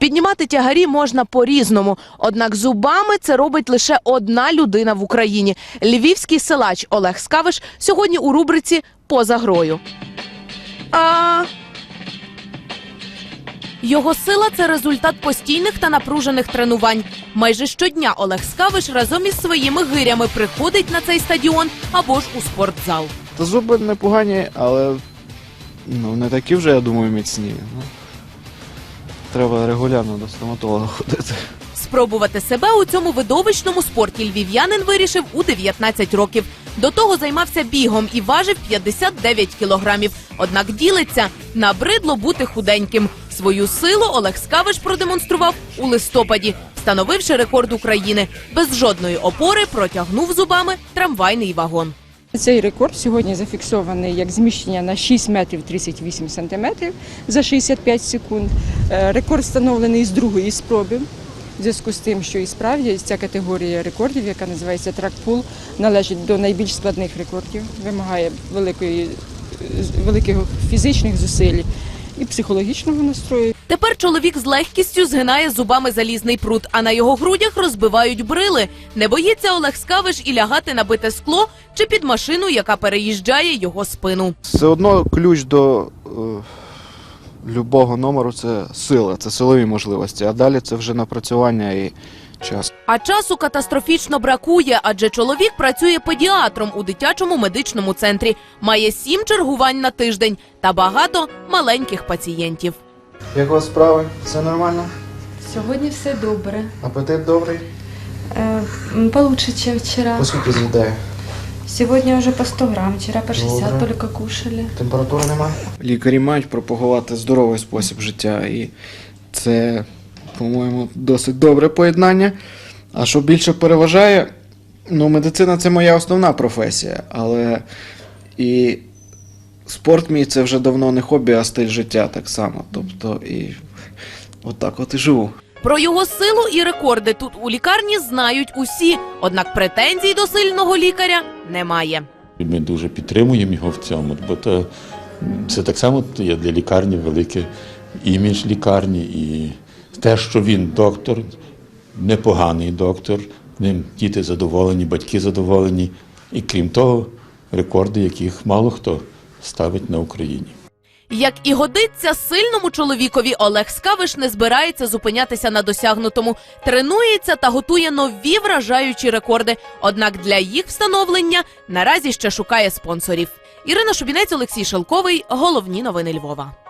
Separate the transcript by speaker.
Speaker 1: Піднімати тягарі можна по-різному, однак зубами це робить лише одна людина в Україні. Львівський силач Олег Скавиш сьогодні у рубриці «Поза грою». Його сила – це результат постійних та напружених тренувань. Майже щодня Олег Скавиш разом із своїми гирями приходить на цей стадіон або ж у спортзал.
Speaker 2: Та зуби непогані, але не такі вже, я думаю, міцні. Треба регулярно до стоматолога ходити.
Speaker 1: Спробувати себе у цьому видовищному спорті львів'янин вирішив у 19 років. До того займався бігом і важив 59 кілограмів. Однак ділиться – набридло бути худеньким. Свою силу Олег Скавиш продемонстрував у листопаді, встановивши рекорд України. Без жодної опори протягнув зубами трамвайний вагон.
Speaker 3: Цей рекорд сьогодні зафіксований як зміщення на 6 метрів 38 сантиметрів за 65 секунд. Рекорд встановлений з другої спроби. В зв'язку з тим, що і справді ця категорія рекордів, яка називається трак-пул, належить до найбільш складних рекордів, вимагає великих фізичних зусиль і психологічного настрою.
Speaker 1: Тепер чоловік з легкістю згинає зубами залізний прут, а на його грудях розбивають брили. Не боїться Олег Скавиш і лягати на бите скло чи під машину, яка переїжджає його спину.
Speaker 2: Все одно ключ до любого номеру – це сила, це силові можливості, а далі це вже напрацювання і час.
Speaker 1: А часу катастрофічно бракує, адже чоловік працює педіатром у дитячому медичному центрі. Має 7 чергувань на тиждень та багато маленьких пацієнтів.
Speaker 2: Як у вас справи? Все нормально?
Speaker 4: Сьогодні все добре.
Speaker 2: Апетит добрий?
Speaker 4: Получше, чем вчера.
Speaker 2: Поскільки з'їдає?
Speaker 4: Сегодня уже по 100 грамм, вчера по 60
Speaker 2: Добре.
Speaker 4: только кушали.
Speaker 2: Температури немає? Лікарі мають пропагувати здоровий спосіб життя, і це, по-моєму, досить добре поєднання. А що більше переважає, медицина – це моя основна професія, але і спорт мій – це вже давно не хобі, а стиль життя так само. Тобто і отак от і живу.
Speaker 1: Про його силу і рекорди тут у лікарні знають усі, однак претензій до сильного лікаря немає.
Speaker 5: Ми дуже підтримуємо його в цьому, бо це так само є для лікарні великий імідж лікарні. І те, що він доктор, непоганий доктор, ним діти задоволені, батьки задоволені. І крім того, рекорди, яких мало хто ставить на Україні.
Speaker 1: Як і годиться сильному чоловікові, Олег Скавиш не збирається зупинятися на досягнутому. Тренується та готує нові вражаючі рекорди. Однак для їх встановлення наразі ще шукає спонсорів. Ірина Шубінець, Олексій Шелковий. Головні новини Львова.